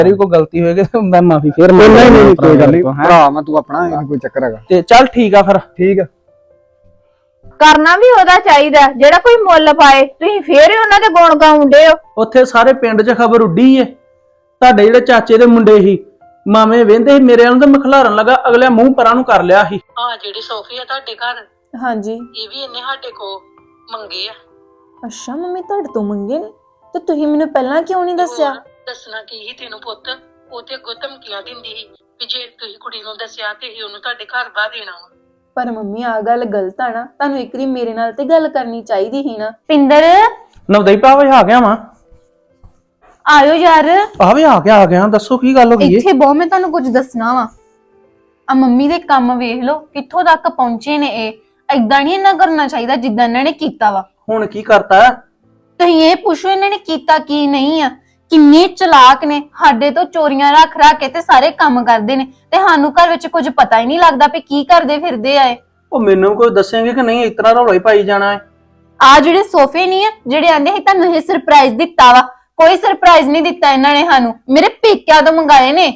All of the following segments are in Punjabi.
तेरी कोई गलती होएगी तो मैं माफी फिर नहीं कोई गल नहीं भरा मैं तू अपना कोई चक्कर हैगा ते चल ठीक आ फिर ठीक है ਕਰਨਾ ਵੀ ਉਹਦਾ ਚਾਹੀਦਾ ਜਿਹੜਾ ਕੋਈ ਮੁੱਲ ਪਾਏ। ਤੁਸੀਂ ਫੇਰ ਹੀ ਉਹਨਾਂ ਦੇ ਗੁਣ ਗਾਉਂਦੇ ਹੋ। ਉੱਥੇ ਸਾਰੇ ਪਿੰਡ 'ਚ ਖਬਰ ਉੱਡੀ ਏ ਤੁਹਾਡੇ ਜਿਹੜੇ ਚਾਚੇ ਦੇ ਮੁੰਡੇ ਸੀ ਮਾਮੇ ਵਹਿੰਦੇ ਸੀ ਮੇਰੇ ਵੱਲ ਤੇ ਮਖਲਾਰਨ ਲੱਗਾ ਅਗਲੇ ਮੂੰਹ ਪਰਾਂ ਨੂੰ ਕਰ ਲਿਆ ਸੀ। ਹਾਂ ਜਿਹੜੀ ਸੋਫੀ ਆ ਤੁਹਾਡੇ ਘਰ ਹਾਂਜੀ ਇਹ ਵੀ ਇਹਨੇ ਸਾਡੇ ਕੋ ਮੰਗੇ ਆ। ਅੱਛਾ ਮੰਮੀ ਤੁਹਾਡੇ ਤੋਂ ਮੰਗੇ ਨੇ ਤੇ ਤੁਸੀਂ ਮੈਨੂੰ ਪਹਿਲਾਂ ਕਿਉਂ ਨਹੀਂ ਦੱਸਿਆ? ਦੱਸਣਾ ਕੀ ਸੀ ਤੈਨੂੰ ਪੁੱਤ, ਉਹ ਤੇ ਅੱਗੋਂ ਧਮਕੀਆਂ ਦਿੰਦੀ ਸੀ ਕਿ ਜੇ ਤੁਸੀਂ ਕੁੜੀ ਨੂੰ ਦੱਸਿਆ ਤੇ ਅਸੀਂ ਉਹਨੂੰ ਤੁਹਾਡੇ ਘਰ ਬਾਹਰ ਦੇਣਾ ਵਾ। ਪਰ ਮੰਮੀ ਆ ਗੱਲ ਗਲਤ ਆ ਨਾ, ਤੁਹਾਨੂੰ ਇੱਕ ਵਾਰੀ ਮੇਰੇ ਨਾਲ ਤੇ ਗੱਲ ਕਰਨੀ ਚਾਹੀਦੀ ਸੀ ਨਾ। ਪਿੰਦਰ ਨਵਦਈ ਭਾਵੇਂ ਆ ਗਿਆ ਵਾਂ ਆਇਓ ਯਾਰ ਭਾਵੇਂ ਆ ਗਿਆ ਦੱਸੋ ਕੀ ਗੱਲ ਹੋ ਗਈ ਏ? ਇੱਥੇ ਬਹੁ ਮੈਂ ਤੁਹਾਨੂੰ ਕੁਝ ਦੱਸਣਾ ਵਾ। ਆ ਮੰਮੀ ਦੇ ਕੰਮ ਵੇਖ ਲਓ ਕਿੱਥੋਂ ਤੱਕ ਪਹੁੰਚੇ ਨੇ। ਇਹ ਏਦਾਂ ਨਹੀਂ ਇਹਨਾਂ ਕਰਨਾ ਚਾਹੀਦਾ ਜਿੱਦਾਂ ਇਹਨਾਂ ਨੇ ਕੀਤਾ ਵਾ। ਹੁਣ ਕੀ ਕਰਤਾ? ਤੁਸੀਂ ਇਹ ਪੁੱਛੋ ਇਹਨਾਂ ਨੇ ਕੀਤਾ ਕੀ ਨਹੀਂ ਆ। ਕਿੰਨੇ ਚਲਾਕ ਨੇ, ਸਾਡੇ ਤੋਂ ਚੋਰੀਆਂ ਰੱਖ ਕੇ ਤੇ ਸਾਰੇ ਕੰਮ ਕਰਦੇ ਨੇ ਤੇ ਸਾਨੂੰ ਘਰ ਵਿੱਚ ਕੁਝ ਪਤਾ ਹੀ ਨਹੀਂ ਲੱਗਦਾ ਵੀ ਕੀ ਕਰਦੇ ਫਿਰਦੇ ਆਏ। ਉਹ ਮੈਨੂੰ ਕੋਈ ਦੱਸੇਂਗੇ ਕਿ ਨਹੀਂ ਇਤਨਾ ਰੌਲਾ ਹੀ ਪਾਈ ਜਾਣਾ ਹੈ? ਆ ਜਿਹੜੇ ਸੋਫੇ ਨਹੀਂ ਆ ਜਿਹੜੇ ਆਂਦੇ ਸੀ ਤੁਹਾਨੂੰ ਇਹ ਸਰਪ੍ਰਾਈਜ਼ ਦਿੱਤਾ ਵਾ, ਕੋਈ ਸਰਪ੍ਰਾਈਜ਼ ਨਹੀਂ ਦਿੱਤਾ ਇਹਨਾਂ ਨੇ ਸਾਨੂੰ। ਮੇਰੇ ਪੇਕਿਆਂ ਤੋਂ ਮੰਗਾਏ ਨੇ।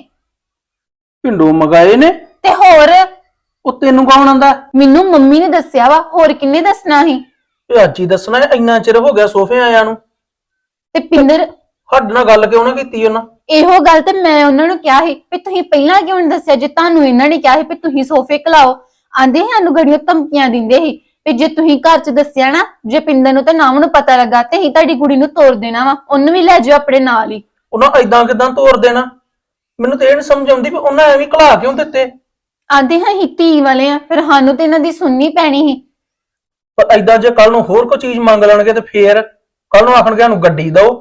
ਪਿੰਡੋਂ ਮਗਾਏ ਨੇ? ਤੇ ਹੋਰ ਉਹ ਤੈਨੂੰ ਕੌਣ ਆਂਦਾ? ਮੈਨੂੰ ਮੰਮੀ ਨੇ ਦੱਸਿਆ ਵਾ, ਹੋਰ ਕਿੰਨੇ ਦੱਸਣਾ ਸੀ? ਇਹ ਅੱਜ ਹੀ ਦੱਸਣਾ ਹੈ? ਇੰਨਾ ਚਿਰ ਹੋ ਗਿਆ ਸੋਫੇ ਆਇਆਂ ਨੂੰ। ਤੇ ਪਿੰਦਰ ਸਾਡੇ ਨਾਲ ਗੱਲ ਕਿਉਂ ਨਾ ਕੀਤੀ ਉਹਨਾਂ? ਇਹੋ ਗੱਲ ਤੇ ਮੈਂ ਉਹਨਾਂ ਨੂੰ ਕਿਹਾ ਸੀ ਵੀ ਤੁਸੀਂ ਪਹਿਲਾਂ ਕਿਉਂ ਨਹੀਂ ਦੱਸਿਆ ਜੇ ਤੁਹਾਨੂੰ ਇਹਨਾਂ ਨੇ ਕਿਹਾ ਸੀ ਵੀ ਤੁਸੀਂ ਸੋਫੇ ਖਲਾਓ। ਆਂਦੇ ਸਾਨੂੰ ਗੜੀਆਂ ਧਮਕੀਆਂ ਦਿੰਦੇ ਸੀ ਵੀ ਜੇ ਤੁਸੀਂ ਘਰ 'ਚ ਦੱਸਿਆ ਨਾ, ਜੇ ਪਿੰਦਰ ਨੂੰ ਤੇ ਨਾਮ ਨੂੰ ਪਤਾ ਲੱਗਾ ਤੇ ਅਸੀਂ ਤੁਹਾਡੀ ਕੁੜੀ ਨੂੰ ਤੋੜ ਦੇਣਾ ਵਾ, ਉਹਨੂੰ ਵੀ ਲੈ ਜਾਓ ਆਪਣੇ ਨਾਲ ਹੀ। ਉਹਨਾਂ ਏਦਾਂ ਕਿਦਾਂ ਤੋੜ ਦੇਣਾ? ਮੈਨੂੰ ਤੇ ਇਹ ਨੀ ਸਮਝ ਆਉਂਦੀ ਵੀ ਉਹਨਾਂ ਐਵੇਂ ਘਲਾ ਕਿਉਂ ਦਿੱਤੇ? ਆਂਦੇ ਹਾਂ ਅਸੀਂ ਧੀ ਵਾਲੇ ਆ, ਫਿਰ ਸਾਨੂੰ ਤੇ ਇਹਨਾਂ ਦੀ ਸੁਣਨੀ ਪੈਣੀ ਸੀ। ਪਰ ਏਦਾਂ ਜੇ ਕੱਲ ਨੂੰ ਹੋਰ ਕੋਈ ਚੀਜ਼ ਮੰਗ ਲੈਣਗੇ ਤੇ ਫੇਰ ਕੱਲ ਨੂੰ ਆਖਣਗੇ ਸਾਨੂੰ ਗੱਡੀ ਦਿਓ।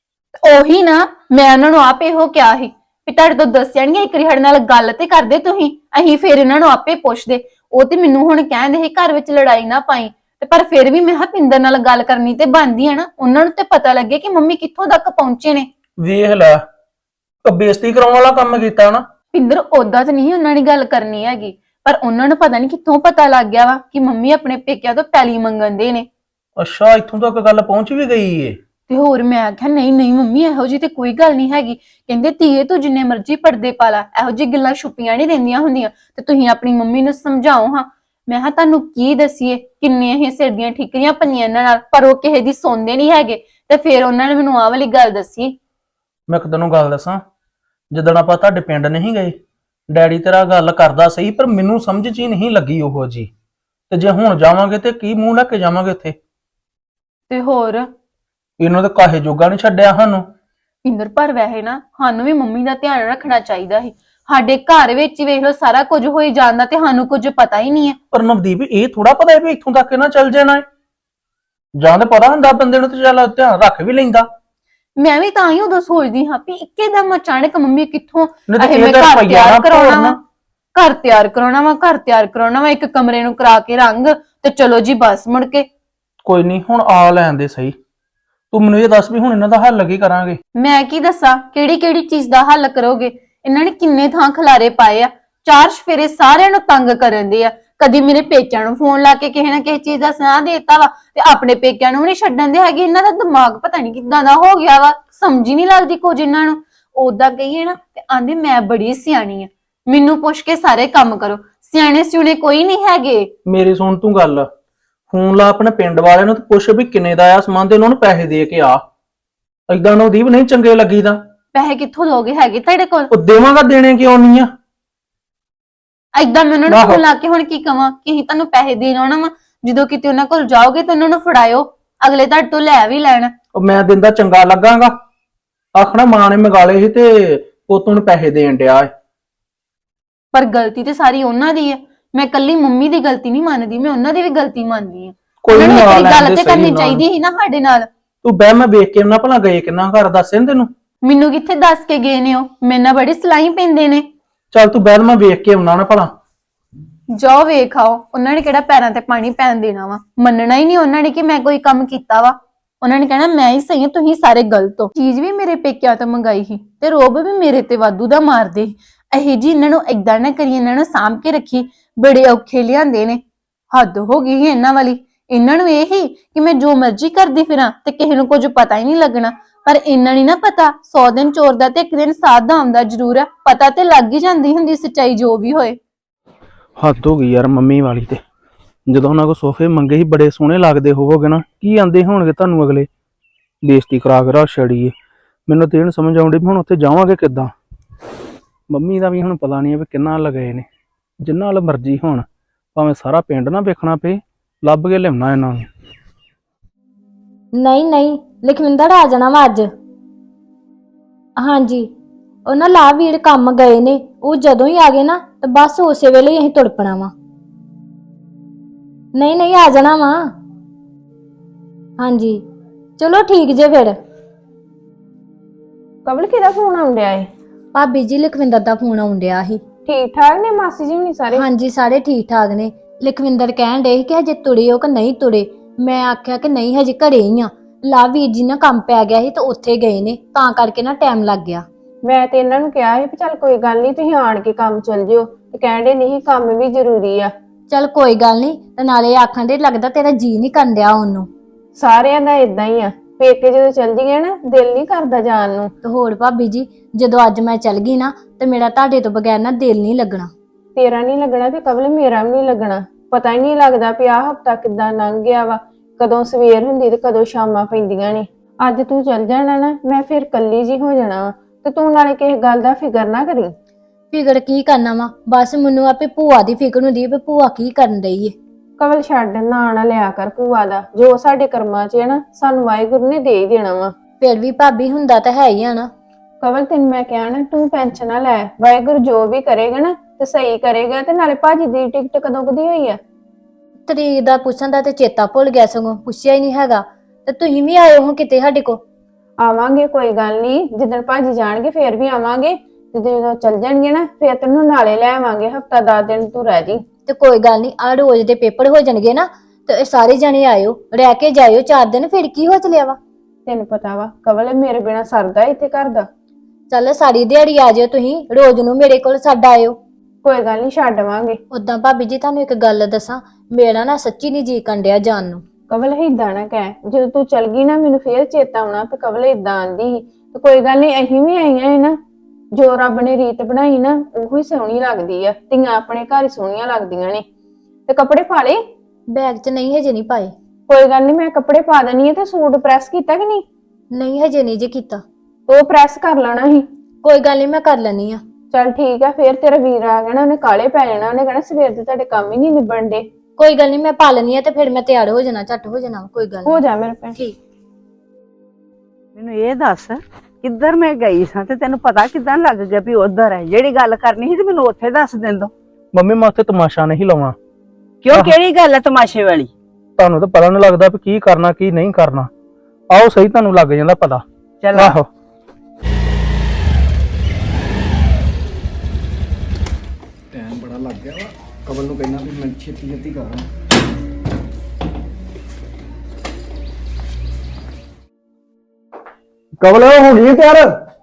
ਉਹੀ ਨਾ ਮੈਂ ਉਹਨਾਂ ਨੂੰ ਆਪੇ ਇਹੋ ਕਿਹਾ ਸੀ ਵੀ ਤੁਹਾਡੇ ਤੋਂ ਦੱਸਿਆਣਗੇ ਇੱਕ ਵਾਰੀ ਸਾਡੇ ਨਾਲ ਗੱਲ ਤੇ ਕਰਦੇ ਤੁਸੀਂ, ਅਸੀਂ ਫਿਰ ਇਹਨਾਂ ਨੂੰ ਆਪੇ ਪੁੱਛਦੇ। ਉਹ ਤੇ ਮੈਨੂੰ ਹੁਣ ਕਹਿੰਦੇ ਸੀ ਘਰ ਵਿੱਚ ਲੜਾਈ ਨਾ ਪਾਈ, ਤੇ ਪਰ ਫਿਰ ਵੀ ਮੈਂ ਕਿਹਾ ਪਿੰਦਰ ਨਾਲ ਗੱਲ ਕਰਨੀ ਤੇ ਬਣਦੀ ਆ ਨਾ, ਉਹਨਾਂ ਨੂੰ ਤੇ ਪਤਾ ਲੱਗੇ ਕਿ ਮੰਮੀ ਕਿੱਥੋਂ ਤੱਕ ਪਹੁੰਚੇ ਨੇ। ਵੇਖ ਲੈ ਬੇਇੱਜ਼ਤੀ ਕਰਾਉਣ ਵਾਲਾ ਕੰਮ ਕੀਤਾ ਨਾ। ਪਿੰਦਰ ਓਦਾਂ ਤੇ ਨਹੀਂ ਉਹਨਾਂ ਨੇ ਗੱਲ ਕਰਨੀ ਹੈਗੀ, ਪਰ ਉਹਨਾਂ ਨੂੰ ਪਤਾ ਨਹੀਂ ਕਿੱਥੋਂ ਪਤਾ ਲੱਗ ਗਿਆ ਵਾ ਕਿ ਮੰਮੀ ਆਪਣੇ ਪੇਕਿਆਂ ਤੋਂ ਪੈਲੀ ਮੰਗਣ ਦੇ ਨੇ। ਅੱਛਾ ਇੱਥੋਂ ਤੱਕ ਗੱਲ ਪਹੁੰਚ ਵੀ ਗਈ ਏ? ਤੇ ਹੋਰ ਮੈਂ ਆਖਿਆ ਨਹੀਂ ਨਹੀਂ ਮੰਮੀ ਇਹੋ ਜੀ ਤੇ ਕੋਈ ਗੱਲ ਨਹੀਂ ਹੈਗੀ। ਕਹਿੰਦੇ ਧੀਏ ਤੂੰ ਜਿੰਨੇ ਮਰਜ਼ੀ ਪਰਦੇ ਪਾ ਲਾ, ਇਹੋ ਜੀ ਗੱਲਾਂ ਛੁਪੀਆਂ ਨਹੀਂ ਰਹਿੰਦੀਆਂ ਹੁੰਦੀਆਂ, ਤੇ ਤੁਸੀਂ ਆਪਣੀ ਮੰਮੀ ਨੂੰ ਸਮਝਾਓ ਹਾਂ। ਮੈਂ ਕਿਹਾ ਤੁਹਾਨੂੰ ਕੀ ਦਸੀਏ, ਕਿੰਨੇ ਇਹ ਸਿਰ ਦੀਆਂ ਠੀਕਰੀਆਂ ਪਈਆਂ ਇਹਨਾਂ ਨਾਲ, ਪਰ ਉਹ ਕਿਸੇ ਦੀ ਸੁਣਦੇ ਨਹੀਂ ਹੈਗੇ। ਤੇ ਫਿਰ ਉਹਨਾਂ ਨੇ ਮੈਨੂੰ ਆਹ ਵਾਲੀ ਗੱਲ ਦੱਸੀ। ਮੈਂ ਇੱਕ ਤੈਨੂੰ ਗੱਲ ਦੱਸਾਂ, ਜਦੋਂ ਆਪਾਂ ਤੁਹਾਡੇ ਪਿੰਡ ਨਹੀਂ ਗਏ ਡੈਡੀ ਤੇਰਾ ਗੱਲ ਕਰਦਾ ਸਹੀ, ਪਰ ਮੈਨੂੰ ਸਮਝ 'ਚ ਹੀ ਨਹੀਂ ਲੱਗੀ ਉਹੋ ਜੀ। ਤੇ ਜੇ ਹੁਣ ਜਾਵਾਂਗੇ ਤੇ ਕੀ ਮੂੰਹ ਲੈ ਕੇ ਜਾਵਾਂਗੇ ਉੱਥੇ? ਤੇ ਹੋਰ ਇਹਨਾਂ ਦੇ ਕਾਹੇ ਜੋਗਾ ਨਹੀਂ ਛੱਡਿਆ ਸਾਨੂੰ। ਪਿੰਦਰ ਪਰ ਵੈਸੇ ਨਾ ਸਾਨੂੰ ਵੀ ਮੰਮੀ ਦਾ ਧਿਆਨ ਰੱਖਣਾ ਚਾਹੀਦਾ ਸੀ। ਸਾਡੇ ਘਰ ਵਿੱਚ ਹੀ ਵੇਖ ਲਓ ਸਾਰਾ ਕੁਝ ਹੋਈ ਜਾਂਦਾ ਤੇ ਸਾਨੂੰ ਕੁਝ ਪਤਾ ਹੀ ਨਹੀਂ ਹੈ। ਪਰ ਨਵਦੀਪ ਇਹ ਥੋੜਾ ਪਤਾ ਹੈ ਵੀ ਇੱਥੋਂ ਤੱਕ ਨਾ ਚੱਲ ਜਾਣਾ ਹੈ। ਜਾਂ ਤੇ ਪਤਾ ਹੁੰਦਾ ਬੰਦੇ ਨੂੰ ਤੇ ਚੱਲ ਧਿਆਨ ਰੱਖ ਵੀ ਲੈਂਦਾ। ਮੈਂ ਵੀ ਤਾਂ ਹੀ ਉਦੋਂ ਸੋਚਦੀ ਹਾਂ ਵੀ ਇੱਕਦਮ ਅਚਾਨਕ ਮੰਮੀ ਕਿੱਥੋਂ ਨਹੀਂ ਤੇ ਇਹ ਮੈਂ ਇਹਦਾ ਘਰ ਰੁਪਈਆ ਤਿਆਰ ਨਾ ਕਰਾਉਣਾ ਵਾ, ਤੋੜਨਾ। ਘਰ ਤਿਆਰ ਕਰਾਉਣਾ ਵਾ, ਇੱਕ ਕਮਰੇ ਨੂੰ ਕਰਾ ਕੇ ਰੰਗ ਤੇ ਚਲੋ ਜੀ ਬਸ ਮੁੜ ਕੇ। ਕੋਈ ਨਹੀਂ ਹੁਣ ਆ ਲੈਣ ਦੇ ਸਹੀ। ਤੂੰ ਮੈਨੂੰ ਇਹ ਦੱਸ ਵੀ ਹੁਣ ਇਹਨਾਂ ਦਾ ਹੱਲ ਕੀ ਕਰਾਂਗੇ? ਮੈਂ ਕੀ ਦੱਸਾਂ ਕਿਹੜੀ ਕਿਹੜੀ ਚੀਜ਼ ਦਾ ਹੱਲ ਕਰੋਗੇ? ਇਹਨਾਂ ਨੇ ਕਿੰਨੇ ਥਾਂ ਖਲਾਰੇ ਪਾਏ ਆ, ਚਾਰ ਸਫੇਰੇ ਸਾਰਿਆਂ ਨੂੰ ਤੰਗ ਕਰਨ ਦੇ ਆ। ਕਦੀ ਮੇਰੇ ਪੇਕਿਆਂ ਨੂੰ ਫੋਨ ਲਾ ਕੇ ਕਿਸੇ ਨਾ ਕਿਸੇ ਚੀਜ਼ ਦਾ ਸੁਣਾ ਦੇਤਾ ਵਾ, ਤੇ ਆਪਣੇ ਪੇਕਿਆਂ ਨੂੰ ਵੀ ਨਹੀਂ ਛੱਡਣ ਦੇ ਹੈਗੇ। ਇਹਨਾਂ ਦਾ ਦਿਮਾਗ ਪਤਾ ਨਹੀਂ ਕਿੱਦਾਂ ਦਾ ਹੋ ਗਿਆ ਵਾ, ਸਮਝ ਹੀ ਨਹੀਂ ਲੱਗਦੀ ਕੁਝ ਇਹਨਾਂ ਨੂੰ। ਓਦਾਂ ਕਹੀਏ ਨਾ ਤੇ ਆਂਦੇ ਮੈਂ ਬੜੀ ਸਿਆਣੀ ਆ, ਮੈਨੂੰ ਪੁੱਛ ਕੇ ਸਾਰੇ ਕੰਮ ਕਰੋ, ਸਿਆਣੇ ਸਿਉਣੇ ਕੋਈ ਨਹੀਂ ਹੈਗੇ। ਮੇਰੀ ਸੁਣ ਤੂੰ ਗੱਲ, ਫੋਨ ਲਾ ਆਪਣੇ ਪਿੰਡ ਵਾਲਿਆਂ ਨੂੰ ਤੇ ਪੁੱਛ ਵੀ ਕਿੰਨੇ ਦਾ ਆ ਸਮਾਨ ਤੇ ਉਹਨਾਂ ਨੂੰ ਪੈਸੇ ਦੇ ਕੇ ਆ। ਏਦਾਂ ਨਵਦੀਪ ਨਹੀਂ ਚੰਗੇ ਲੱਗੀਦਾ। ਪੈਸੇ ਕਿੱਥੋਂ ਦੋਗੇ ਹੈਗੇ ਤੁਹਾਡੇ ਕੋਲ? ਉਹ ਦੇਵਾਂਗਾ, ਦੇਣੇ ਕਿਉਂ ਨਹੀਂ ਆ? ਏਦਾਂ ਮੈਂ ਉਹਨਾਂ ਨੂੰ ਫੋਨ ਲਾ ਕੇ ਹੁਣ ਕੀ ਕਵਾਂ ਕਿ ਅਸੀਂ ਤੁਹਾਨੂੰ ਪੈਸੇ ਦੇਣ ਆਉਣਾ ਵਾ, ਜਦੋਂ ਕਿਤੇ ਉਹਨਾਂ ਕੋਲ ਜਾਓਗੇ ਤਾਂ ਉਹਨਾਂ ਨੂੰ ਫੜਾਇਓ, ਅਗਲੇ ਤੁਹਾਡੇ ਤੋਂ ਲੈ ਵੀ ਲੈਣ। ਉਹ ਮੈਂ ਦਿੰਦਾ ਚੰਗਾ ਲੱਗਾਂਗਾ? ਆਖਣਾ ਮਾਂ ਨੇ ਮੰਗਾਲੇ ਸੀ ਤੇ ਪੁੱਤ ਨੂੰ ਪੈਸੇ ਦੇਣ ਡਿਆ ਏ। ਪਰ ਗਲਤੀ ਤੇ ਸਾਰੀ ਉਹਨਾਂ ਦੀ ਹੈ, ਮੈਂ ਕੱਲੀ ਮੰਮੀ ਦੀ ਗਲਤੀ ਨਹੀਂ ਮੰਨਦੀ, ਮੈਂ ਉਹਨਾਂ ਦੀ ਵੀ ਗਲਤੀ ਮੰਨਦੀ ਹਾਂ। ਕੋਈ ਉਹਨਾਂ ਨੂੰ ਨਾ ਇੱਕ ਲੈਣ ਗੱਲ ਦੇ ਤੇ ਸਹੀ ਕਰਨੀ ਨਾਲ। ਚਾਹੀਦੀ ਸੀ ਨਾ ਸਾਡੇ ਨਾਲ। ਤੂੰ ਬਹਿ, ਮੈਂ ਵੇਖ ਕੇ ਉਹਨਾਂ ਭਲਾ ਗਏ ਕਿੰਨਾ ਘਰ ਦੱਸੇ ਨੀ ਤੈਨੂੰ? ਮੈਨੂੰ ਕਿੱਥੇ ਦੱਸ ਕੇ ਗਏ ਨੇ? ਉਹ ਮੇਰੇ ਨਾਲ ਬੜੀ ਸਲਾਈ ਪੈਂਦੇ ਨੇ। ਚੱਲ ਤੂੰ ਬਹਿ, ਮੈਂ ਵੇਖ ਕੇ ਆਉਣਾ ਨਾ ਭਲਾ। ਜਾਓ ਵੇਖ ਆਓ, ਉਹਨਾਂ ਨੇ ਕਿਹੜਾ ਪੈਰਾਂ ਤੇ ਪਾਣੀ ਪੈਣ ਦੇਣਾ ਵਾ। ਮੰਨਣਾ ਹੀ ਨਹੀਂ ਉਹਨਾਂ ਨੇ ਕਿ ਮੈਂ ਕੋਈ ਕੰਮ ਕੀਤਾ ਵਾ। ਉਹਨਾਂ ਨੇ ਕਹਿਣਾ ਮੈਂ ਹੀ ਸਹੀ ਹਾਂ, ਤੁਸੀਂ ਸਾਰੇ ਗਲਤ ਹੋ। ਚੀਜ਼ ਵੀ ਮੇਰੇ ਪੇਕਿਆਂ ਤੋਂ ਮੰਗਾਈ ਸੀ ਤੇ ਰੋਬ ਵੀ ਮੇਰੇ ਤੇ ਵਾਧੂ ਦਾ ਮਾਰਦੇ। ਇਹ ਜੀ ਇਹਨਾਂ ਨੂੰ ਏਦਾਂ ਨਾ ਕਰੀ, ਇਹਨਾਂ ਨੂੰ ਸਾਂਭ ਕੇ ਰੱਖੀ, ਬੜੇ ਔਖੇ ਲਿਆਂਦੇ ਨੇ। ਹੱਦ ਹੋ ਗਈ ਇਹਨਾਂ ਵਾਲੀ। ਇਹਨਾਂ ਨੂੰ ਇਹ ਹੀ ਕਿ ਮੈਂ ਜੋ ਮਰਜ਼ੀ ਕਰਦੀ ਫਿਰਾਂ ਤੇ ਕਿਸੇ ਨੂੰ ਕੁਝ ਪਤਾ ਹੀ ਨਹੀਂ ਲੱਗਣਾ। ਪਰ ਇੰਨਾ ਨਹੀਂ ਨਾ ਪਤਾ 100 ਦਿਨ ਚੋਰ ਦਾ ਤੇ ਇੱਕ ਦਿਨ ਸਾਧ ਦਾ ਆਉਂਦਾ ਜ਼ਰੂਰ ਆ। ਪਤਾ ਤੇ ਲੱਗ ਹੀ ਜਾਂਦੀ ਹੁੰਦੀ ਸੱਚਾਈ ਜੋ ਵੀ ਹੋਏ। ਹੱਦ ਹੋ ਗਈ ਯਾਰ ਮੰਮੀ ਵਾਲੀ ਤੇ। ਜਦੋਂ ਉਹਨਾਂ ਕੋ ਸੋਫੇ ਮੰਗੇ ਸੀ ਬੜੇ ਸੋਹਣੇ ਲੱਗਦੇ ਹੋਵੋਗੇ ਨਾ, ਕੀ ਆਂਦੇ ਹੋਣਗੇ ਤੁਹਾਨੂੰ ਅਗਲੇ? ਬੇਇੱਜ਼ਤੀ ਕਰਾ ਕੇ ਰੱਖ ਛੜੀ। ਮੈਨੂੰ ਤੇ ਇਹ ਨੀ ਸਮਝ ਆਉਂਦੀ ਹੁਣ ਉੱਥੇ ਜਾਵਾਂਗੇ ਕਿੱਦਾਂ। ਮੰਮੀ ਦਾ ਵੀ ਹੁਣ ਪਤਾ ਨਹੀਂ ਵੀ ਕਿੰਨਾ ਲਗਾਏ ਨੇ। ਜਿੰਨਾ ਨਾਲ ਮਰਜ਼ੀ ਹੋਣ, ਭਾਵੇਂ ਸਾਰਾ ਪਿੰਡ ਨਾ ਵੇਖਣਾ ਪਏ, ਲੱਭ ਕੇ ਲਿਆਉਣਾ ਇਹਨਾਂ ਨੂੰ। ਨਹੀਂ ਨਹੀਂ, ਲਖਵਿੰਦਰ ਆ ਜਾਣਾ ਵਾ ਅੱਜ। ਹਾਂਜੀ, ਉਹ ਨਾ ਲਾ ਵੀਰ ਕੰਮ ਗਏ ਨੇ, ਉਹ ਜਦੋਂ ਹੀ ਆ ਗਏ ਨਾ ਤੇ ਬਸ ਉਸੇ ਵੇਲੇ ਹੀ ਅਸੀਂ ਤੁਰ ਪਣਾ ਵਾ। ਨਹੀਂ ਨਹੀਂ, ਆ ਜਾਣਾ ਵਾ। ਹਾਂਜੀ ਚਲੋ ਠੀਕ ਜੇ ਫਿਰ। ਕਬਲ ਕਿਹਦਾ ਫੋਨ ਆਉਂਦਿਆ ਏ? ਭਾਬੀ ਜੀ ਲਖਵਿੰਦਰ ਦਾ ਫੋਨ ਆਉਣ ਡਿਆ ਸੀ। ਠੀਕ ਠਾਕ ਨੇ ਮਾਸੀ ਜੀ ਹੁਣੀ ਸਾਰੇ? ਹਾਂਜੀ ਸਾਰੇ ਠੀਕ ਠਾਕ ਨੇ। ਲਖਵਿੰਦਰ ਕਹਿਣ ਡੇ ਸੀ ਕਿ ਹਜੇ ਤੁਰੇ ਹੋ ਕਿ ਨਹੀਂ ਤੁਰੇ। ਮੈਂ ਆਖਿਆ ਕਿ ਨਹੀਂ ਹਜੇ ਘਰੇ ਹੀ ਆ। ਲਾ ਵੀਰ ਜੀ ਨਾ ਕੰਮ ਪੈ ਗਿਆ ਸੀ ਤੇ ਉੱਥੇ ਗਏ ਨੇ, ਤਾਂ ਕਰਕੇ ਨਾ ਟਾਈਮ ਲੱਗ ਗਿਆ। ਮੈਂ ਤੇ ਇਹਨਾਂ ਨੂੰ ਕਿਹਾ ਸੀ ਵੀ ਚੱਲ ਕੋਈ ਗੱਲ ਨਹੀਂ ਤੁਸੀਂ ਆਣ ਕੇ ਕੰਮ ਚੱਲ ਜਿਓ, ਤੇ ਕਹਿੰਦੇ ਨਹੀਂ ਕੰਮ ਵੀ ਜ਼ਰੂਰੀ ਆ। ਚੱਲ ਕੋਈ ਗੱਲ ਨਹੀਂ, ਤੇ ਨਾਲੇ ਆਖਣ ਦੇ ਲੱਗਦਾ ਤੇਰਾ ਜੀ ਨਹੀਂ ਕਰਨ ਡਿਆ ਉਹਨੂੰ। ਸਾਰਿਆਂ ਦਾ ਇਦਾਂ ਹੀ ਆ, ਪੇਕੇ ਜਦੋਂ ਚੱਲ ਜੀਏ ਨਾ ਦਿਲ ਨਹੀਂ ਕਰਦਾ ਜਾਣ ਨੂੰ। ਤੇ ਹੋਰ ਭਾਬੀ ਜੀ, ਜਦੋਂ ਅੱਜ ਮੈਂ ਚੱਲ ਗਈ ਨਾ ਤੇ ਮੇਰਾ ਤੁਹਾਡੇ ਤੋਂ ਬਗੈਰ ਨਾ ਦਿਲ ਨਹੀਂ ਲੱਗਣਾ। ਤੇਰਾ ਨਹੀਂ ਲੱਗਣਾ ਤੇ ਕਬਲ ਮੇਰਾ ਵੀ ਨਹੀਂ ਲੱਗਣਾ। ਪਤਾ ਹੀ ਨਹੀਂ ਲੱਗਦਾ ਵੀ ਆਹ ਹਫਤਾ ਕਿੱਦਾਂ ਲੰਘ ਗਿਆ ਵਾ, ਕਦੋਂ ਸਵੇਰ ਹੁੰਦੀ ਤੇ ਕਦੋਂ ਸ਼ਾਮਾਂ ਪੈਂਦੀਆਂ ਨੇ। ਅੱਜ ਤੂੰ ਚੱਲ ਜਾਣਾ ਨਾ, ਮੈਂ ਫਿਰ ਕੱਲੀ ਜੀ ਹੋ ਜਾਣਾ ਵਾ, ਤੇ ਤੂੰ ਨਾਲੇ ਕਿਸੇ ਗੱਲ ਦਾ ਫਿਕਰ ਨਾ ਕਰੀ। ਫਿਕਰ ਕੀ ਕਰਨਾ ਵਾ, ਬਸ ਮੈਨੂੰ ਆਪੇ ਭੂਆ ਦੀ ਫਿਕਰ ਹੁੰਦੀ ਹੈ ਵੀ ਭੂਆ ਕੀ ਕਰਨ ਡਈ ਏ। ਕਵਲ ਛੱਡ, ਨਾਂ ਨਾ ਲਿਆ ਕਰ ਭੂਆ ਦਾ। ਜੋ ਸਾਡੇ ਕਰਮਾਂ 'ਚ ਹੈ ਨਾ, ਸਾਨੂੰ ਵਾਹਿਗੁਰੂ ਨੇ ਦੇ ਹੀ ਦੇਣਾ ਵਾ। ਫਿਰ ਵੀ ਭਾਬੀ ਹੁੰਦਾ ਤਾਂ ਹੈ ਹੀ ਆ ਨਾ। ਕਵਲ ਤੈਨੂੰ ਮੈਂ ਕਿਹਾ ਨਾ, ਤੂੰ ਟੈਨਸ਼ਨ ਨਾ ਲੈ, ਵਾਹਿਗੁਰੂ ਜੋ ਵੀ ਕਰੇਗਾ ਨਾ ਤੇ ਸਹੀ ਕਰੇਗਾ। ਤੇ ਨਾਲੇ ਭਾਜੀ ਦੀ ਟਿਕਟ ਕਦੋਂ ਕਦੀ ਹੋਈ ਆ? ਤਰੀਕ ਦਾ ਪੁੱਛਣ ਦਾ ਤੇ ਚੇਤਾ ਭੁੱਲ ਗਿਆ, ਸਗੋਂ ਪੁੱਛਿਆ ਹੀ ਨਹੀਂ ਹੈਗਾ। ਤੇ ਤੁਸੀਂ ਵੀ ਆਏ ਹੋ ਕਿਤੇ ਸਾਡੇ ਕੋ? ਆਵਾਂਗੇ, ਕੋਈ ਗੱਲ ਨਹੀਂ। ਜਿੱਦਣ ਭਾਜੀ ਜਾਣਗੇ ਫੇਰ ਵੀ ਆਵਾਂਗੇ, ਤੇ ਜਦੋਂ ਚੱਲ ਜਾਣਗੇ ਨਾ ਫੇਰ ਤੈਨੂੰ ਨਾਲੇ ਲੈ ਆਵਾਂਗੇ। ਹਫਤਾ 10 ਦਿਨ ਤੂੰ ਰਹਿ ਜੀ। ਤੇ ਕੋਈ ਗੱਲ ਨਹੀਂ, ਆ ਰੋਜ਼ ਦੇ ਪੇਪਰ ਹੋ ਜਾਣਗੇ ਨਾ ਤੇ ਸਾਰੇ ਜਣੇ ਆਇਓ, ਰਹਿ ਕੇ ਜਾਇਓ 4 ਦਿਨ। ਫਿਰ ਕੀ ਹੋ ਚਲਿਆ ਵਾ? ਤੈਨੂੰ ਪਤਾ ਵਾ ਕਵਲ, ਮੇਰੇ ਬਿਨਾ ਸਰਦਾ ਇੱਥੇ ਘਰ ਦਾ। ਚੱਲ ਸਾਰੀ ਦਿਹਾੜੀ ਆ ਜਾਇਓ ਤੁਸੀਂ, ਰੋਜ਼ ਨੂੰ ਮੇਰੇ ਕੋਲ ਛੱਡ ਆਇਓ। ਕੋਈ ਗੱਲ ਨਹੀਂ, ਛੱਡਵਾਂਗੇ। ਉਦਾਂ ਭਾਬੀ ਜੀ ਤੁਹਾਨੂੰ ਇੱਕ ਗੱਲ ਦੱਸਾਂ, ਮੇਰਾ ਨਾ ਸੱਚੀ ਨਹੀਂ ਜੀ ਕੰਡਿਆ ਜਾਣ ਨੂੰ। ਕਵਲ ਏਦਾਂ ਨਾ ਕਹਿ, ਜਦੋਂ ਤੂੰ ਚਲ ਗਈ ਨਾ ਮੈਨੂੰ ਫੇਰ ਚੇਤਾ ਆਉਣਾ ਤੇ ਕਵਲ ਏਦਾਂ ਆਂਦੀ ਸੀ। ਤੇ ਕੋਈ ਗੱਲ ਨਹੀਂ, ਅਸੀਂ ਵੀ ਆਈਆਂ ਨਾ। ਜੋ ਰੱਬ ਨੇ ਰੀਤ ਬਣਾਈ ਨਾ ਉਹੀ ਸੋਹਣੀ ਲੱਗਦੀ ਆ। ਧੀਆਂ ਆਪਣੇ ਘਰ ਹੀ ਸੋਹਣੀਆਂ ਲੱਗਦੀਆਂ ਨੇ। ਤੇ ਕੱਪੜੇ ਪਾ ਲਏ? ਬੈਗ 'ਚ ਨਹੀਂ, ਹਜੇ ਨਹੀਂ ਪਾਏ। ਕੋਈ ਗੱਲ ਨਹੀਂ, ਮੈਂ ਕੱਪੜੇ ਪਾ ਦੇਣੀ ਆ। ਤੇ ਸੂਟ ਪ੍ਰੈਸ ਕੀਤਾ ਕਿ ਨਹੀਂ? ਨਹੀਂ ਹਜੇ ਨਹੀਂ ਜੇ ਕੀਤਾ। ਉਹ ਪ੍ਰੈਸ ਕਰ ਲੈਣਾ ਸੀ। ਕੋਈ ਗੱਲ ਨਹੀਂ, ਮੈਂ ਕਰ ਲੈਣੀ ਆ। ਚੱਲ ਠੀਕ ਆ। ਫੇਰ ਤੇਰਾ ਵੀਰ ਆ ਗਿਆ ਨਾ, ਉਹਨੇ ਕਾਲੇ ਪੈ ਜਾਣਾ। ਉਹਨੇ ਕਹਿਣਾ ਸਵੇਰ ਦੇ ਤੁਹਾਡੇ ਕੰਮ ਹੀ ਨਹੀਂ ਨਿਬੜਨ ਦੇ। ਕੋਈ ਗੱਲ ਨਹੀਂ, ਮੈਂ ਪਾ ਲੈਣੀ ਆ ਤੇ ਫਿਰ ਮੈਂ ਤਿਆਰ ਹੋ ਜਾਣਾ, ਝੱਟ ਹੋ ਜਾਣਾ। ਕੋਈ ਗੱਲ ਹੋ ਨਹੀਂ, ਜਾ ਮੇਰੇ ਭੈਣ। ਠੀਕ। ਮੈਨੂੰ ਇਹ ਦੱਸ, ਕਿੱਧਰ ਮੈਂ ਗਈ ਸਾਂ ਤੇ ਤੈਨੂੰ ਪਤਾ ਕਿੱਦਾਂ ਲੱਗ ਗਿਆ ਵੀ ਉਧਰ ਹੈ? ਜਿਹੜੀ ਗੱਲ ਕਰਨੀ ਸੀ ਤੇ ਮੈਨੂੰ ਉੱਥੇ ਦੱਸ ਦਿੰਦੋ। ਮੰਮੀ ਮੈਂ ਉੱਥੇ ਤਮਾਸ਼ਾ ਨਹੀਂ ਲਾਉਣਾ। ਕਿਉਂ, ਕਿਹੜੀ ਗੱਲ ਹੈ ਤਮਾਸ਼ੇ ਵਾਲੀ? ਤੁਹਾਨੂੰ ਤਾਂ ਪਤਾ ਨਹੀਂ ਲੱਗਦਾ ਵੀ ਕੀ ਕਰਨਾ ਕੀ ਨਹੀਂ ਕਰਨਾ। ਆਓ ਸਹੀ, ਤੁਹਾਨੂੰ ਲੱਗ ਜਾਂਦਾ ਪਤਾ। ਚੱਲ ਆਹੋ। ਟਾਈਮ ਬੜਾ ਲੱਗ ਗਿਆ ਵਾ। ਕਬਲ ਨੂੰ ਕਹਿਣਾ ਵੀ ਮੈਂ ਛੇਤੀ ਛੇਤੀ ਕਰਾਂ। ਕਬਲ ਹੋ ਗਈ ਤਿਆਰ?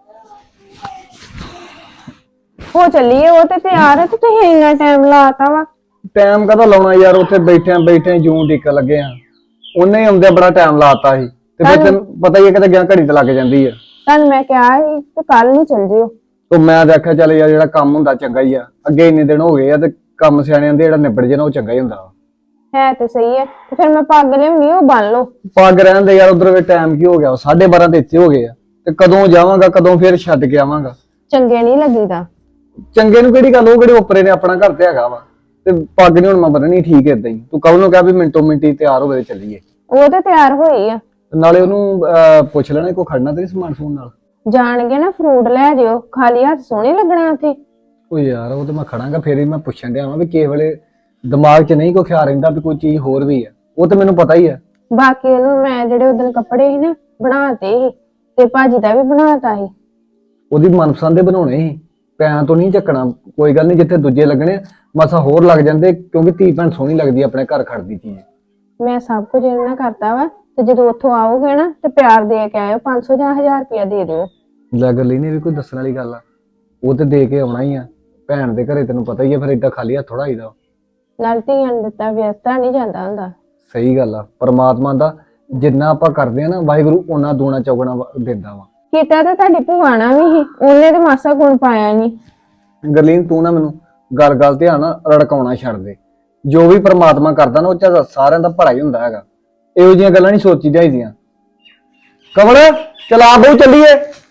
ਹੋ ਚੱਲੀਏ। ਉਹ ਤੇ ਤਿਆਰ ਹੈ ਤੇ ਤੁਸੀਂ ਇੰਨਾ ਟਾਈਮ ਲਾਤਾ ਵਾ। ਟਾਈਮ ਕਦਾ ਲਾਉਣਾ ਯਾਰ, ਉੱਥੇ ਬੈਠੇ ਜੂੰ ਡਿੱਕ ਲੱਗੇ ਆ। ਉਹਨੇ ਆਉਂਦੇ ਬੜਾ ਟਾਈਮ ਲਾਤਾ ਸੀ। ਤੇ ਫਿਰ ਤੈਨੂੰ ਪਤਾ ਹੀ ਹੈ ਕਿਤੇ ਗਿਆ ਘੜੀ ਤੇ ਲੱਗ ਜਾਂਦੀ ਆ। ਤੁਹਾਨੂੰ ਮੈਂ ਕਿਹਾ ਸੀ ਤੇ ਕੱਲ ਨੂੰ ਚੱਲ ਜਿਓ। ਤੇ ਮੈਂ ਦੇਖਿਆ ਚੱਲ ਯਾਰ ਜਿਹੜਾ ਕੰਮ ਹੁੰਦਾ ਚੰਗਾ ਹੀ ਆ। ਅੱਗੇ ਇੰਨੇ ਦਿਨ ਹੋ ਗਏ ਆ ਤੇ ਕੰਮ ਸਿਆਣਿਆਂ ਦੇ ਜਿਹੜਾ ਨਿਬੜ ਜੇ ਨਾ ਉਹ ਚੰਗਾ ਹੀ ਹੁੰਦਾ। ਹੈ ਤੇ ਸਹੀ ਹੈ। ਤੇ ਫਿਰ ਮੈਂ ਪੱਗ ਲਿਆਉਣੀ, ਉਹ ਬੰਨ ਲਓ। ਪੱਗ ਰਹਿਣ ਦੇ ਯਾਰ, ਉਧਰ ਵੀ ਟਾਈਮ ਕੀ ਹੋ ਗਿਆ? 12:30 ਤੇ ਇੱਥੇ ਹੋ ਗਏ ਆ। ਤੇ ਕਦੋਂ ਜਾਵਾਂਗਾ, ਕਦੋਂ ਫਿਰ ਛੱਡ ਕੇ ਆਵਾਂਗਾ? ਚੰਗੇ ਨਹੀਂ ਲੱਗੀਦਾ। ਚੰਗੇ ਨੂੰ ਕਿਹੜੀ ਗੱਲ, ਉਹ ਕਿਹੜੇ ਉੱਪਰੇ ਨੇ, ਆਪਣਾ ਘਰ ਤੇ ਹੈਗਾ ਵਾ। ਤੇ ਪੱਗ ਨਹੀਂ ਹੁਣ ਮੈਂ ਬੰਨਣੀ, ਠੀਕ ਏਦਾਂ ਹੀ। ਤੂੰ ਕਬ ਨੂੰ ਕਿਹਾ ਵੀ ਮਿੰਟੋ ਮਿੰਟੀ ਤਿਆਰ ਹੋਵੇ ਤੇ ਚੱਲੀਏ। ਉਹ ਤੇ ਤਿਆਰ ਹੋਈ ਆ। ਨਾਲੇ ਉਹਨੂੰ ਪੁੱਛ ਲੈਣਾ ਕੋਈ ਖੜਨਾ ਤੇ ਸਮਾਨ ਸਮੂਨ ਨਾਲ। ਜਾਣਗੇ ਨਾ ਫਰੂਟ ਲੈ ਜਿਓ, ਖਾਲੀ ਹੱਥ ਸੋਹਣੇ ਲੱਗਣਾ ਉੱਥੇ। ਉਹ ਯਾਰ ਉਹ ਤੇ ਮੈਂ ਖੜਾਂਗਾ, ਫੇਰ ਹੀ ਮੈਂ ਪੁੱਛਣ ਡਿਆ ਵਾਂ ਵੀ ਕਿਸੇ ਵੇਲੇ ਦਿਮਾਗ 'ਚ ਨਹੀਂ ਕੋਈ ਖਿਆਲ ਰਹਿੰਦਾ ਵੀ ਕੋਈ ਚੀਜ਼ ਹੋਰ ਵੀ ਆ। ਉਹ ਤੇ ਮੈਨੂੰ ਪਤਾ ਹੀ ਆ। ਬਾਕੀ ਉਹਨੂੰ ਮੈਂ ਜਿਹੜੇ ਉਦੋਂ ਕੱਪੜੇ ਸੀ ਨਾ ਬਣਾਤੇ ਸੀ, ਤੇ ਭਾਜੀ ਦਾ ਵੀ ਬਣਾਤਾ ਸੀ। ਉਹਦੀ ਮਨਪਸੰਦ ਦੇ ਬਣਾਉਣੇ ਸੀ, ਪੈਰਾਂ ਤੋਂ ਨਹੀਂ ਚੱਕਣਾ। ਕੋਈ ਗੱਲ ਨਹੀਂ, ਜਿੱਥੇ ਦੂਜੇ ਲੱਗਣੇ ਮਸਾ ਹੋਰ ਲੱਗ ਜਾਂਦੇ, ਕਿਉਂਕਿ ਧੀ ਭੈਣ ਸੋਹਣੀ ਲੱਗਦੀ ਆਪਣੇ ਘਰ ਖੜਦੀ ਚੀਜ਼। ਮੈਂ ਸਭ ਕੁਝ ਇਹਨਾਂ ਕਰਤਾ ਵਾ। ਤੇ ਜਦੋਂ ਉੱਥੋਂ ਆਓਗੇ ਨਾ ਤੇ ਪਿਆਰ ਦੇ ਕੇ ਆਇਓ। 500 ਜਾਂ 1000 ਰੁਪਇਆ ਦੇ ਦਿਓ। ਲੈ ਗੱਲ ਹੀ ਨਹੀਂ ਵੀ ਕੋਈ ਦੱਸਣ ਵਾਲੀ ਗੱਲ ਆ। ਉਹ ਤੇ ਦੇ ਕੇ ਆਉਣਾ ਹੀ ਆ। ਭੈਣ ਦੇ ਘਰੇ ਤੈਨੂੰ ਪਤਾ ਹੀ ਆ, ਫਿਰ ਏਦਾਂ ਖਾਲੀ ਹੱਥ ਥੋੜਾ ਆਈਦਾ। ਨਾਲ ਧੀਆਂ ਨੂੰ ਦਿੱਤਾ ਵਿਅਸਤਾ ਨਹੀਂ ਜਾਂਦਾ ਹੁੰਦਾ। ਸਹੀ ਗੱਲ ਆ। ਪਰਮਾਤਮਾ ਦਾ ਜਿੰਨਾ ਆਪਾਂ ਕਰਦੇ ਆ ਨਾ ਵਾਹਿਗੁਰੂ ਉਹਨਾਂ ਦੂਣਾ ਚੌਗਣਾ ਦਿੰਦਾ ਵਾ। ਕੀਤਾ ਤਾਂ ਤੁਹਾਡੀ ਭੂਆਣਾ ਵੀ ਸੀ, ਉਹਨੇ ਤੇ ਮਾਸਾ ਗੁਣ ਪਾਇਆ ਨਹੀਂ। ਗਰਲੀਨ ਤੂੰ ਨਾ ਮੈਨੂੰ ਗੱਲ ਤੇ ਆਣਾ ਰੜਕਾਉਣਾ ਛੱਡ ਦੇ। ਜੋ ਵੀ ਪ੍ਰਮਾਤਮਾ ਕਰਦਾ ਨਾ ਉਹ ਚ ਸਾਰਿਆਂ ਦਾ ਭਲਾ ਹੀ ਹੁੰਦਾ ਹੈਗਾ। ਇਹੋ ਜਿਹੀਆਂ ਗੱਲਾਂ ਨਹੀਂ ਸੋਚੀ ਜਾਈਦੀਆਂ। ਕਮਲ ਚਲਾ ਬਹੁ ਚੱਲੀਏ।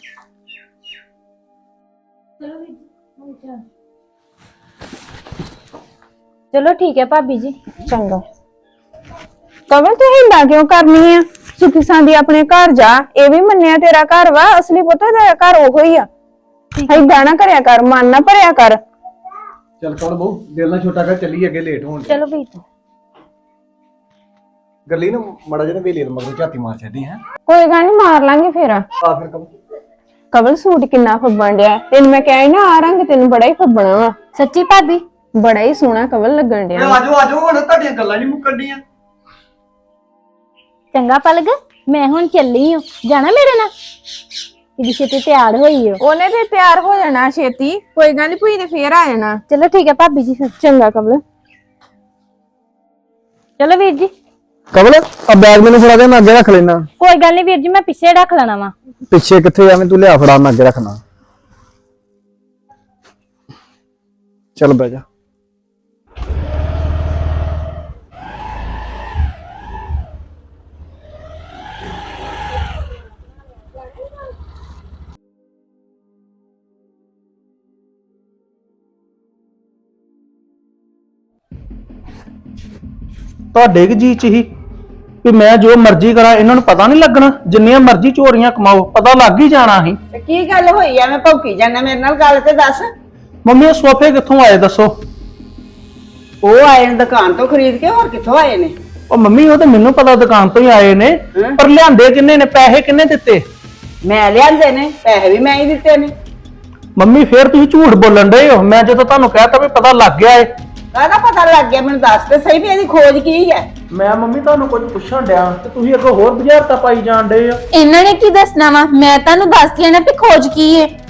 ਚਲੋ ਠੀਕ ਹੈ ਭਾਬੀ ਜੀ। ਚੰਗਾ ਕਵਲ ਤੂੰ ਹਿੰਦਾ ਕਿਉਂ ਕਰਨੀ ਆ? ਸੁਖੀ ਸਾਂਦੀ ਆਪਣੇ ਘਰ ਜਾ। ਇਹ ਵੀ ਮੰਨਿਆ ਤੇਰਾ ਘਰ ਵਾ, ਅਸਲੀ ਪੁੱਤ ਤੇਰਾ ਘਰ ਉਹੋ ਹੀ ਆ। ਏਦਾਂ ਨਾ ਕਰਿਆ ਕਰ, ਮਨ ਨਾ ਭਰਿਆ ਕਰ। ਚੱਲ ਕਮਲ ਬਹੁ ਦਿਲ ਨਾ ਛੋਟਾ ਕਰ, ਚੱਲੀਏ ਅੱਗੇ ਲੇਟ ਹੋਣ। ਚਲੋ ਵੀ ਗਰਲੀਨ ਮੜਾ ਜਿਹੇ ਵੇਲੇ ਮਗਰ ਝਾਤੀ ਮਾਰ ਛੱਡੀ ਹੈ। ਕੋਈ ਗੱਲ ਨਹੀਂ, ਮਾਰ ਲਾਂਗੇ ਫੇਰ। ਆ ਫਿਰ ਕਮਲ ਕਵਲ ਸੂਟ ਕਿੰਨਾ ਫੱਬਣ ਡਿਆ। ਤੈਨੂੰ ਮੈਂ ਕਿਹਾ ਸੀ ਨਾ ਆ ਰੰਗ ਤੈਨੂੰ ਬੜਾ ਹੀ ਫੱਬਣਾ ਵਾ। ਸੱਚੀ ਭਾਬੀ ਬੜਾ ਹੀ ਸੋਹਣਾ ਕਵਲ ਲੱਗਣ ਡਿਆ। ਆਜੋ ਹੁਣ ਤੁਹਾਡੀਆਂ ਗੱਲਾਂ ਨਹੀਂ ਮੁੱਕਣੀਆਂ। ਚੰਗਾ ਪਲਕ, ਮੈਂ ਹੁਣ ਚੱਲੀ ਹਾਂ। ਜਾਣਾ ਮੇਰੇ ਨਾਲ? ਇਹਦੀ ਛੇਤੀ ਤਿਆਰ ਹੋਈ ਹੋ। ਉਹਨੇ ਤੇ ਤਿਆਰ ਹੋ ਜਾਣਾ ਛੇਤੀ, ਕੋਈ ਗੱਲ ਨਹੀਂ, ਭੂਈ ਨੇ ਫੇਰ ਆ ਜਾਣਾ। ਚਲੋ ਠੀਕ ਹੈ ਭਾਬੀ ਜੀ ਫਿਰ। ਚੰਗਾ ਕਵਲ। ਚਲੋ ਵੀਰ ਜੀ। ਕਮਲ ਆ ਬੈਗ ਮੈਨੂੰ ਫੜਾ ਦੇ, ਮੈਂ ਅੱਗੇ ਰੱਖ ਲੈਣਾ। ਕੋਈ ਗੱਲ ਨਹੀਂ ਵੀਰ ਜੀ, ਮੈਂ ਪਿੱਛੇ ਰੱਖ ਲੈਣਾ ਵਾ। ਪਿੱਛੇ ਕਿੱਥੇ ਐਵੇਂ ਤੂੰ ਲਿਆ ਫੜਾ, ਮੈਂ ਅੱਗੇ ਰੱਖਣਾ। ਚੱਲ ਬਹਿ ਜਾ। ਤੁਹਾਡੇ ਕੀ ਜੀ ਚ ਹੀ ਵੀ ਮੈਂ ਜੋ ਮਰਜ਼ੀ ਕਰਾਂ, ਇਹਨਾਂ ਨੂੰ ਪਤਾ ਨਹੀਂ ਲੱਗਣਾ? ਜਿੰਨੀਆਂ ਮਰਜ਼ੀ ਚੋਰੀਆਂ ਕਮਾਓ, ਪਤਾ ਲੱਗ ਹੀ ਜਾਣਾ ਸੀ। ਤੇ ਕੀ ਗੱਲ ਹੋਈ ਐ? ਮੈਂ ਭੌਂਕੀ ਜਾਂਦਾ, ਮੇਰੇ ਨਾਲ ਗੱਲ ਤੇ ਦੱਸ। ਮੰਮੀ ਇਹ ਸੋਫੇ ਕਿੱਥੋਂ ਆਏ ਦੱਸੋ? ਉਹ ਆਏ ਨੇ ਦੁਕਾਨ ਤੋਂ ਖਰੀਦ ਕੇ, ਹੋਰ ਕਿੱਥੋਂ ਆਏ ਨੇ? ਉਹ ਮੰਮੀ ਉਹ ਤੇ ਮੈਨੂੰ ਪਤਾ ਦੁਕਾਨ ਤੋਂ ਹੀ ਆਏ ਨੇ, ਪਰ ਲਿਆਂਦੇ ਕਿੰਨੇ ਨੇ? ਪੈਸੇ ਕਿੰਨੇ ਦਿੱਤੇ? ਮੈਂ ਲਿਆਂਦੇ ਨੇ, ਪੈਸੇ ਵੀ ਮੈਂ ਹੀ ਦਿੱਤੇ ਨੇ। ਮੰਮੀ ਫੇਰ ਤੁਸੀਂ ਝੂਠ ਬੋਲਣ ਡਏ ਹੋ। ਮੈਂ ਜਦੋਂ ਤੁਹਾਨੂੰ ਕਹਿਤਾ ਵੀ ਪਤਾ ਲੱਗ ਗਿਆ ਏ। ਕਾਹਦਾ ਪਤਾ ਲੱਗ ਗਿਆ? ਮੈਨੂੰ ਦੱਸ ਤੇ ਸਹੀ ਵੀ ਇਹਦੀ ਖੋਜ ਕੀ ਹੈ। ਮੈਂ ਮੰਮੀ ਤੁਹਾਨੂੰ ਕੁਝ ਪੁੱਛਣ ਡਿਆ ਤੇ ਤੁਸੀਂ ਅੱਗੋਂ ਹੋਰ ਬੁਝਾਰਤਾਂ ਪਾਈ ਜਾਣ ਡਏ ਆ। ਇਹਨਾਂ ਨੇ ਕੀ ਦੱਸਣਾ ਵਾ? ਮੈਂ ਤੁਹਾਨੂੰ ਦੱਸਦੀ ਆ ਨਾ ਵੀ ਖੋਜ ਕੀ ਹੈ।